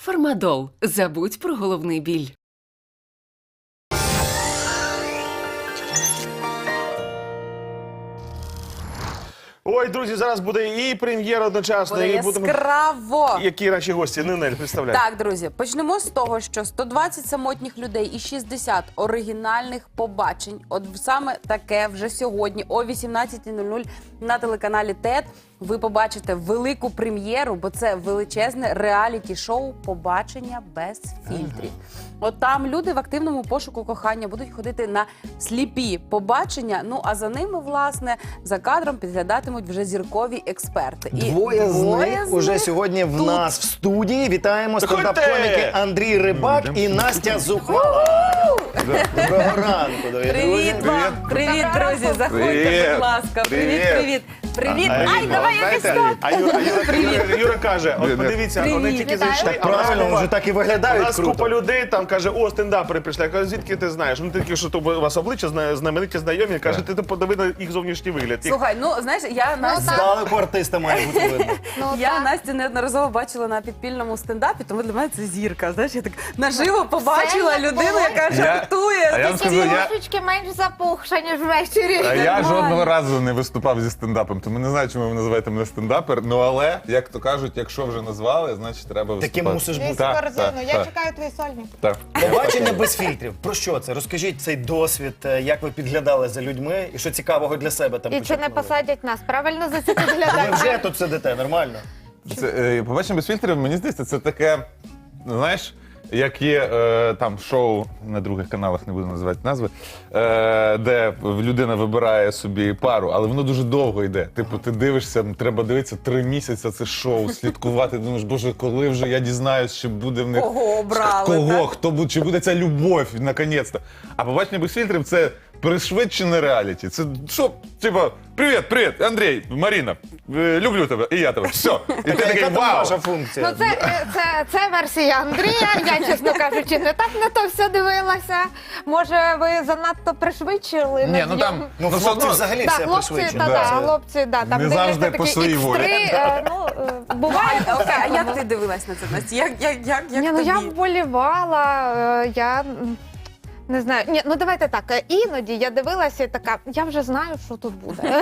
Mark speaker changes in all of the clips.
Speaker 1: Фармадол. Забудь про головний біль.
Speaker 2: Ой, друзі, зараз буде і прем'єра одночасно,
Speaker 3: Буде
Speaker 2: і будемо...
Speaker 3: яскраво.
Speaker 2: Які наші гості? Нинель, представляй.
Speaker 3: Так, друзі, почнемо з того, що 120 самотніх людей і 60 оригінальних побачень. От саме таке вже сьогодні о 18:00 на телеканалі ТЕТ ви побачите велику прем'єру, бо це величезне реаліті-шоу «Побачення без фільтрів». От там люди в активному пошуку кохання будуть ходити на сліпі побачення, ну а за ними, власне, за кадром підглядатимуть вже зіркові експерти. І
Speaker 4: Двоє з них уже сьогодні в
Speaker 3: тут.
Speaker 4: нас в студії. Вітаємо
Speaker 2: Заходьте!
Speaker 4: стендап-коміки Андрій Рибак і Настя Зухвала. Доброго ранку, дорогі
Speaker 3: Привіт
Speaker 4: друзі.
Speaker 3: вам! Привіт, друзі! Заходьте,
Speaker 2: Привіт.
Speaker 3: будь ласка. Привіт,
Speaker 2: Привіт.
Speaker 3: привіт. Привіт. Ай, давай якось
Speaker 2: Знаєте,
Speaker 3: так.
Speaker 2: а Юра каже, от подивіться, вони
Speaker 3: Привіт.
Speaker 2: тільки
Speaker 3: Вітаю.
Speaker 2: зайшли,
Speaker 4: Так
Speaker 2: а в нас
Speaker 4: правильно,
Speaker 2: купа-
Speaker 4: вже так і
Speaker 2: у
Speaker 4: виглядають
Speaker 2: нас
Speaker 4: круто.
Speaker 2: купа людей там каже, о, стендапери прийшли. Я кажу, звідки ти знаєш? Ну тільки що то у вас обличчя знамениті знайомі. Каже, ти подиви на їх зовнішній вигляд. Їх-
Speaker 3: Слухай, ну знаєш, я Настю,
Speaker 4: Здалеку артиста має бути видно.
Speaker 3: я Настю неодноразово бачила на підпільному стендапі, тому для мене це зірка. Знаєш, я так наживо побачила
Speaker 5: Це
Speaker 3: людину,
Speaker 5: було.
Speaker 3: яка
Speaker 6: А
Speaker 3: жартує.
Speaker 6: я вам скажу,
Speaker 5: Трошечки менш запухша, ніж ввечері.
Speaker 6: А я
Speaker 3: Нормально.
Speaker 6: жодного разу не виступав зі стендапом, тому не знаю, чому ви називаєте мене стендапер. Ну але, як то кажуть, якщо вже назвали, значить треба виступати.
Speaker 4: Таким мусиш бути.
Speaker 5: Вісі
Speaker 6: Так,
Speaker 5: корзину,
Speaker 6: так,
Speaker 5: я
Speaker 6: так.
Speaker 5: чекаю твої сольні.
Speaker 6: Так.
Speaker 4: Побачення без фільтрів. Про що це? Розкажіть цей досвід, як ви підглядали за людьми і що цікавого для себе там
Speaker 5: І чи не
Speaker 4: почерпнули?
Speaker 5: посадять нас? Правильно за це
Speaker 4: Ви
Speaker 5: підглядають?
Speaker 4: вже тут сидите, нормально?
Speaker 6: Побачимо без фільтрів, мені здається, це таке, ну, знаєш, як є там шоу на других каналах, не буду називати назви, де людина вибирає собі пару, але воно дуже довго йде. Типу, ти дивишся, треба дивитися 3 місяці це шоу, слідкувати. Думаєш, боже, коли вже я дізнаюсь, чи буде в них
Speaker 3: Кого обрали,
Speaker 6: кого,
Speaker 3: так?
Speaker 6: хто буде, чи буде ця любов, наконець-то. А побачення без фільтрів це пришвидшене реаліті. Це що, типа, привіт, Андрій, Маріна, люблю тебе, і я тебе. Все. І ти такий,
Speaker 4: Яка там
Speaker 6: вау.
Speaker 4: ваша
Speaker 5: Ну,
Speaker 4: функція?
Speaker 5: це версія Андрія. Я, чесно кажучи, не так на то все дивилася. Може, ви занадто пришвидшили?
Speaker 6: Ні, ну там,
Speaker 4: Ну,
Speaker 6: все
Speaker 4: хлопці
Speaker 6: одно-
Speaker 4: взагалі
Speaker 5: Так,
Speaker 4: все
Speaker 5: хлопці,
Speaker 4: пришвидшено.
Speaker 5: та,
Speaker 4: Це-
Speaker 5: хлопці, да, там
Speaker 6: Не
Speaker 5: дивляться
Speaker 6: завжди
Speaker 5: такі
Speaker 6: по своїй волі.
Speaker 5: X3, буває
Speaker 3: Окей, а
Speaker 5: таке.
Speaker 3: як ти дивилась на це, Настя? Як
Speaker 5: Ні, ну
Speaker 3: тобі?
Speaker 5: я вболівала, я не знаю. Ні, ну давайте так. Іноді я дивилася і така, я вже знаю, що тут буде.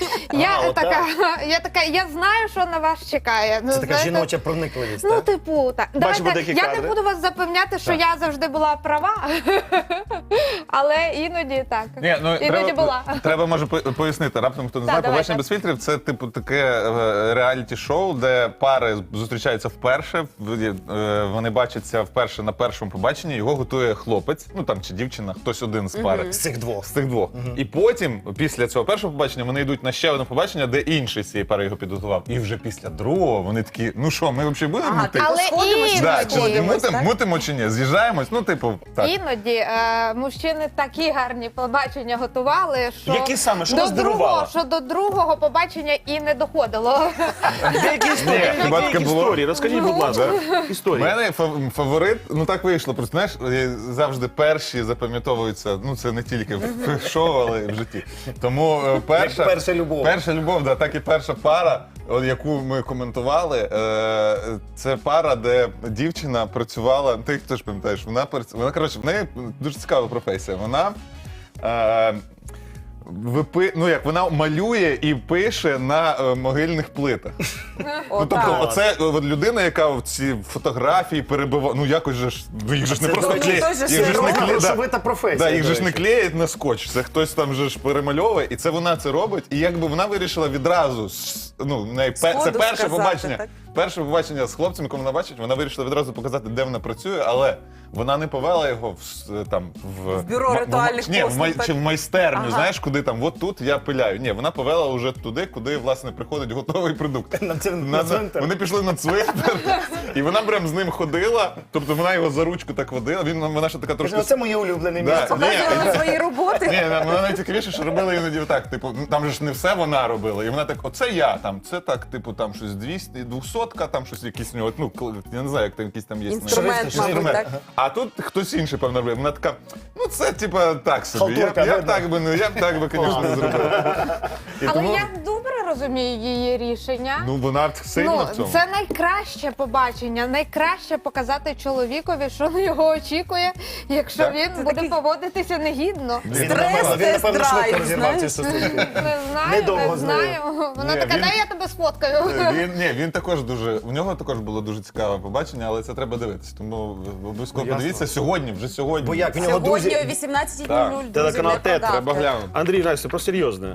Speaker 5: Я знаю, що на вас чекає. Ну,
Speaker 4: Це така
Speaker 5: знаєте,
Speaker 4: жіноча проникливість,
Speaker 5: Ну,
Speaker 4: так?
Speaker 5: типу, так.
Speaker 2: Бачимо
Speaker 5: Давайте,
Speaker 2: деякі
Speaker 5: я
Speaker 2: кадри.
Speaker 5: не буду вас запевняти, що я завжди була права, але іноді так.
Speaker 6: Ні, ну,
Speaker 5: Іноді була.
Speaker 6: треба, може, пояснити. Раптом, хто не знає,
Speaker 5: давай,
Speaker 6: побачення
Speaker 5: так.
Speaker 6: без фільтрів це типу таке реаліті-шоу, де пари зустрічаються вперше, вони бачаться вперше на першому побаченні, його готує хлопець, ну там чи дівчина, хтось один з пари.
Speaker 4: З цих двох.
Speaker 6: З тих двох. І потім, після цього першого побачення, вони йдуть на ще одне побачення, де інший з цієї пари його підготував. І вже після другого вони такі, ну що, ми взагалі будемо
Speaker 3: Ага,
Speaker 6: мутити?
Speaker 5: Але
Speaker 3: Сходимось,
Speaker 5: іноді,
Speaker 6: Да, чи
Speaker 3: сходимось, так?
Speaker 6: мутимо чи ні? З'їжджаємось? Ну, типу, так.
Speaker 5: іноді мужчини такі гарні побачення готували, що
Speaker 2: Які саме? Що
Speaker 5: до
Speaker 2: вас здивувало?
Speaker 5: другого, що до другого побачення і не доходило.
Speaker 2: Деякі історії,
Speaker 6: хіба
Speaker 2: деякі
Speaker 6: таке було?
Speaker 2: історії. Розкажіть, будь ласка,
Speaker 6: У
Speaker 2: історії.
Speaker 6: мене фаворит, ну так вийшло. Просто знаєш, завжди перші запам'ятовуються. Ну це не тільки в шоу, але й в житті. Тому перша,
Speaker 4: Як перша любов.
Speaker 6: Перша любов, да, так і перша пара, яку ми коментували. Це пара, де дівчина працювала. Ти теж пам'ятаєш, вона коротше, в неї дуже цікава професія. Вона. Вона малює і пише на могильних плитах. Ну, тобто, оце от людина, яка в ці фотографії перебиває, ну якось же ж, їх же ж не
Speaker 4: Це,
Speaker 6: просто
Speaker 4: до речі,
Speaker 6: клеять.
Speaker 3: це
Speaker 6: Їх же ж не клеять.
Speaker 4: грошовита професія,
Speaker 6: Да, їх
Speaker 4: до
Speaker 6: же ж не
Speaker 4: речі.
Speaker 6: клеять на скотч, це хтось там же ж перемальовує, і це вона це робить. І якби вона вирішила відразу, ну, в неї це
Speaker 3: Сходу
Speaker 6: перше
Speaker 3: сказати,
Speaker 6: побачення.
Speaker 3: так?
Speaker 6: Перше побачення з хлопцем, якого вона бачить, вона вирішила відразу показати, де вона працює, але вона не повела його в
Speaker 3: бюро ритуальних послуг, так?
Speaker 6: чи в майстерню,
Speaker 3: Ага.
Speaker 6: знаєш, куди там, от тут я пиляю. Ні, вона повела вже туди, куди, власне, приходить готовий продукт.
Speaker 4: На цвинтар.
Speaker 6: Вони пішли на цвинтар, і вона прям з ним ходила, тобто вона його за ручку так водила, вона ще така трошки...
Speaker 4: Це моє улюблене
Speaker 6: Да,
Speaker 4: місце.
Speaker 6: ні,
Speaker 3: Показували свої роботи.
Speaker 6: ні, вона найцікавіше, що робила іноді так, типу, ну, там же ж не все вона робила, і вона так, оце я, там, це так, типу, там щось 200-ка, там щось якісь у нього, ну, я не знаю, як там якісь там є.
Speaker 3: Інструмент, мабуть, так?
Speaker 6: А тут хтось інший, певно, робив. Вона така, ну це, типа, так собі,
Speaker 4: Халтурка,
Speaker 6: я
Speaker 4: видно.
Speaker 6: б так би, звісно, не зробив. І
Speaker 5: Але
Speaker 6: тому-
Speaker 5: я добре розумію її рішення.
Speaker 6: Ну, вона сильна в цьому.
Speaker 5: Це найкраще побачення, найкраще показати чоловікові, що на його очікує, якщо
Speaker 6: Так.
Speaker 5: він буде поводитися негідно.
Speaker 4: Він,
Speaker 3: Стрес,
Speaker 4: напевно,
Speaker 3: тест-драйв,
Speaker 4: швидко розірвав ці
Speaker 3: знаєш.
Speaker 4: стосунки.
Speaker 5: Не знаю,
Speaker 4: Недовго
Speaker 5: не
Speaker 4: з нею.
Speaker 5: знаю. Вона
Speaker 6: Ні,
Speaker 5: така,
Speaker 6: він-
Speaker 5: дай я тебе сфоткаю.
Speaker 6: Він також дуже, у нього також було дуже цікаве побачення, але це треба дивитися. Тому обов'язково
Speaker 2: Ясно.
Speaker 6: подивіться сьогодні, вже сьогодні.
Speaker 4: Бо як в нього
Speaker 3: Сьогодні
Speaker 4: друзі...
Speaker 3: о 18:00, друзі,
Speaker 2: Телеканал
Speaker 3: не
Speaker 2: ТЕТ,
Speaker 3: прогавте.
Speaker 6: Треба глянути.
Speaker 2: Андрій, Настя, про серйозне.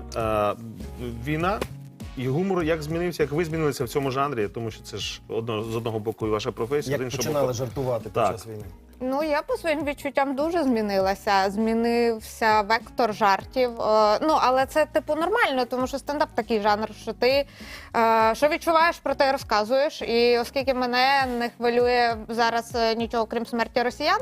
Speaker 2: Війна і гумор як змінився, як ви змінилися в цьому жанрі, тому що це ж з одного боку і ваша професія, з
Speaker 4: Як
Speaker 2: іншого
Speaker 4: починали
Speaker 2: боку.
Speaker 4: жартувати під
Speaker 2: Так.
Speaker 4: час війни?
Speaker 5: Ну, я по своїм відчуттям дуже змінилася. Змінився вектор жартів. Ну, але це типу нормально, тому що стендап такий жанр, що ти що відчуваєш, про те розказуєш. І оскільки мене не хвилює зараз нічого, крім смерті росіян,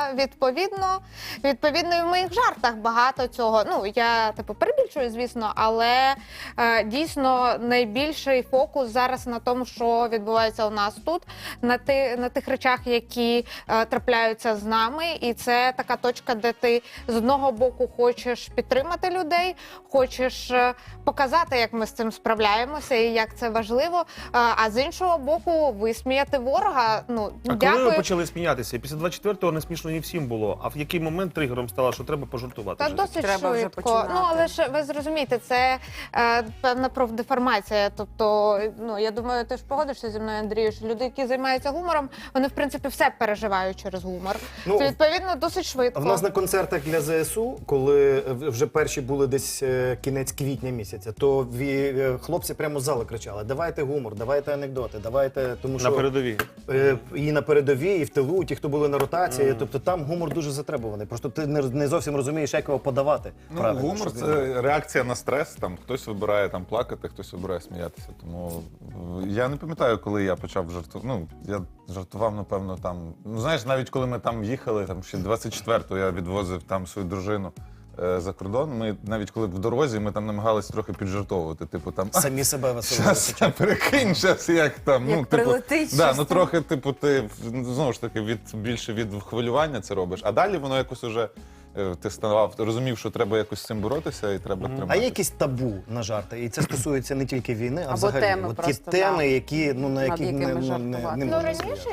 Speaker 5: відповідно, і в моїх жартах багато цього. Ну, я типу перебільшую, звісно, але дійсно найбільший фокус зараз на тому, що відбувається у нас тут, на тих речах, які трапляються з нами, і це така точка, де ти з одного боку хочеш підтримати людей, хочеш показати, як ми з цим справляємося і як це важливо, а з іншого боку висміяти ворога. Ну,
Speaker 2: А коли
Speaker 5: дякую.
Speaker 2: ви почали сміятися? Після 24-го не смішно не всім було. А в який момент тригером стало, що треба пожартувати?
Speaker 5: Та
Speaker 2: вже?
Speaker 5: досить
Speaker 3: Треба вже
Speaker 5: швидко.
Speaker 3: починати.
Speaker 5: Ну але ж ви зрозумієте, це певна профдеформація. Тобто, ну я думаю, ти ж погодишся зі мною, Андрію, що люди, які займаються гумором, вони в принципі все переживають через гумор.
Speaker 4: Ну,
Speaker 5: Це відповідно досить швидко.
Speaker 4: В нас на концертах для ЗСУ, коли вже перші були десь кінець квітня місяця, то хлопці прямо з залу кричали: давайте гумор, давайте анекдоти, давайте, тому що
Speaker 2: На передовій.
Speaker 4: і на передовій, і в тилу, ті, хто були на ротації. Тобто там гумор дуже затребуваний. Просто ти не зовсім розумієш, як його подавати.
Speaker 6: Ну,
Speaker 4: правильно,
Speaker 6: гумор
Speaker 4: щоб
Speaker 6: це реакція на стрес. Там хтось вибирає там плакати, хтось вибирає сміятися. Тому я не пам'ятаю, коли я почав жартувати. Ну, я жартував, напевно, там. Ну, знаєш, навіть коли ми там їхали, там ще 24-го я відвозив там свою дружину за кордон. Ми навіть коли в дорозі, ми там намагалися трохи піджартовувати. Типу там
Speaker 4: самі себе веселили.
Speaker 6: щас, перекинь, щас, як там.
Speaker 3: Як
Speaker 6: ну, типу,
Speaker 3: прилетить
Speaker 6: да,
Speaker 3: щось
Speaker 6: ну
Speaker 3: там.
Speaker 6: трохи, типу, ти знову ж таки більше від хвилювання це робиш. А далі воно якось уже ти розумів, що треба якось з цим боротися і треба
Speaker 4: А
Speaker 6: триматися.
Speaker 4: є якісь табу на жарти? І це стосується не тільки війни, а
Speaker 3: Або
Speaker 4: взагалі.
Speaker 3: теми
Speaker 4: От ті
Speaker 3: просто,
Speaker 4: теми,
Speaker 3: да.
Speaker 4: які, ну, на
Speaker 3: Над
Speaker 4: які
Speaker 3: якими
Speaker 4: не
Speaker 3: жартувати.
Speaker 4: можна
Speaker 5: Ну, раніше
Speaker 4: сміятися.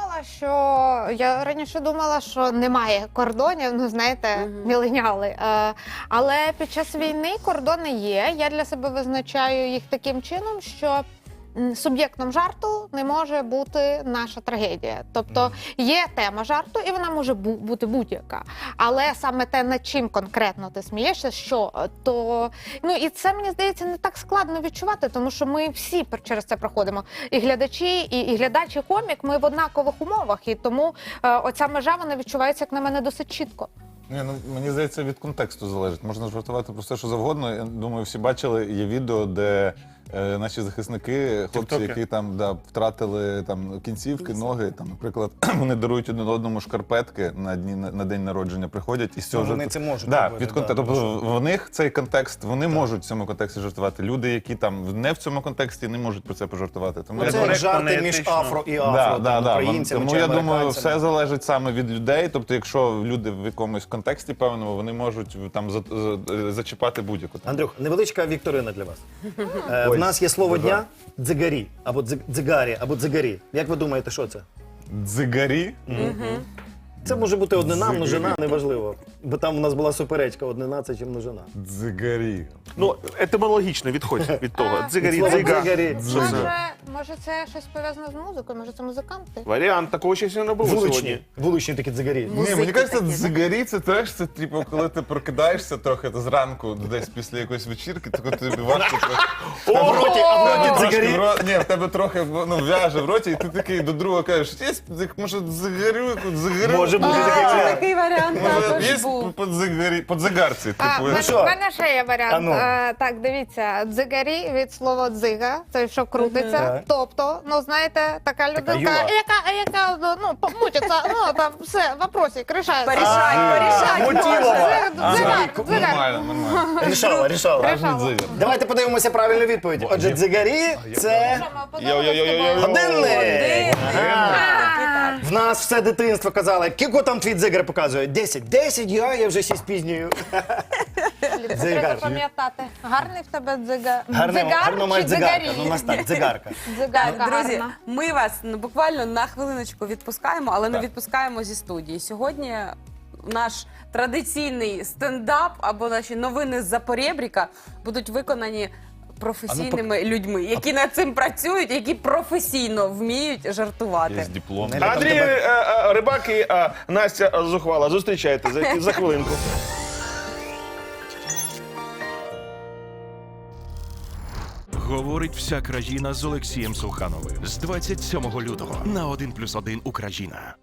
Speaker 5: я раніше думала, що немає кордонів, ну знаєте, міленіали. Але під час війни кордони є. Я для себе визначаю їх таким чином, що суб'єктом жарту не може бути наша трагедія. Тобто є тема жарту, і вона може бути будь-яка. Але саме те, над чим конкретно ти смієшся, що то ну і це мені здається не так складно відчувати, тому що ми всі через це проходимо. І глядачі, і глядач, і комік. Ми в однакових умовах, і тому оця межа вона відчувається, як на мене, досить чітко.
Speaker 6: Ні, ну, мені здається, від контексту залежить. Можна жартувати про все, що завгодно. Я думаю, всі бачили, є відео, де наші захисники, хлопці,
Speaker 2: Тіктоки.
Speaker 6: які там втратили там кінцівки, ноги, там, наприклад, вони дарують один одному шкарпетки на день народження, приходять і з цього
Speaker 4: вони
Speaker 6: жарту-
Speaker 4: це можуть
Speaker 6: Да,
Speaker 4: робити,
Speaker 6: від контексту.
Speaker 4: да,
Speaker 6: Тобто в них цей контекст, вони можуть в цьому контексті жартувати. Люди, які там не в цьому контексті, не можуть про це пожартувати. Тому
Speaker 4: Ну,
Speaker 6: я
Speaker 4: це
Speaker 6: думаю,
Speaker 4: як
Speaker 2: коректно,
Speaker 4: жарти між
Speaker 2: неетично.
Speaker 4: афро і афро, там, українцями
Speaker 6: Тому
Speaker 4: чи
Speaker 6: я думаю,
Speaker 4: американцями.
Speaker 6: все залежить саме від людей. Тобто, якщо люди в якомусь контексті певному, вони можуть там зачіпати будь-яку.
Speaker 4: Андрюх, невеличка вікторина для вас. В
Speaker 6: Ой,
Speaker 4: нас є слово
Speaker 6: дуже.
Speaker 4: дня дзигарі, або дзигарі, або дзигарі. Як ви думаєте, що це?
Speaker 6: Дзигарі?
Speaker 4: Це може бути однина, множина, неважливо. Бо там у нас була суперечка, однина це чи множина.
Speaker 6: Дзигарі.
Speaker 2: Ну, етимологічно відходь від того. Дзигарі,
Speaker 4: Слово
Speaker 2: дзига.
Speaker 4: дзигарі.
Speaker 5: Може, це щось пов'язане з музикою? Може, це музиканти?
Speaker 2: Варіант, такого ще сьогодні не було сьогодні.
Speaker 4: Вуличні. Вуличні такі дзигарі.
Speaker 6: Ні,
Speaker 3: Музики
Speaker 6: мені кажеться,
Speaker 3: такі, да?
Speaker 6: дзигарі це теж, це типу, коли ти прокидаєшся трохи зранку, десь після якоїсь вечірки, то тобі важко трохи.
Speaker 4: А в роті
Speaker 6: Трошки
Speaker 4: дзигарі.
Speaker 6: Ні, в тебе трохи в'яже в роті, і ти такий до друга кажеш, є, може, дзигарю, дзигарю.
Speaker 4: Може бути такий варіант.
Speaker 3: Такий варіант також
Speaker 6: Є
Speaker 3: був.
Speaker 6: по дзигарці. Типу,
Speaker 5: В
Speaker 4: що?
Speaker 5: мене ще є варіант.
Speaker 4: А ну.
Speaker 5: Так, дивіться, дзигарі від слова дзига, це що крутиться.
Speaker 4: Так.
Speaker 5: Тобто, ну знаєте, така людинка,
Speaker 4: юла.
Speaker 5: яка ну, помутиться, ну там все, вопросик, рішається.
Speaker 3: Порішай.
Speaker 4: Мутілова.
Speaker 5: Дзигар.
Speaker 6: Нормально, нормально.
Speaker 4: Рішала.
Speaker 6: Справжній дзигар.
Speaker 4: Давайте подивимося правильну відповідь. Отже, дзигарі це годинник. Ага. В нас все дитинство казали, кілько там твій дзигар показує? 10. 10, я вже ще спізнюю.
Speaker 5: Треба
Speaker 4: Дзигар.
Speaker 5: пам'ятати. Гарний в тебе дзигар.
Speaker 4: Гарно має
Speaker 5: чи
Speaker 4: дзигарка.
Speaker 5: дзигарі?
Speaker 4: Ну, у нас так, дзигарка.
Speaker 5: Дзигарка
Speaker 3: Друзі,
Speaker 5: гарна.
Speaker 3: ми вас буквально на хвилиночку відпускаємо, але не
Speaker 6: Так.
Speaker 3: відпускаємо зі студії. Сьогодні наш традиційний стендап або наші новини з-за поребріка будуть виконані професійними людьми, які над цим працюють, які професійно вміють жартувати.
Speaker 6: Є диплом.
Speaker 4: Неля, там
Speaker 2: Андрій
Speaker 4: тебе-
Speaker 2: Рибак і Настя Зухвала. Зустрічайте за хвилинку.
Speaker 7: Говорить вся країна з Олексієм Сухановим з 27 лютого на 1+1 Україна.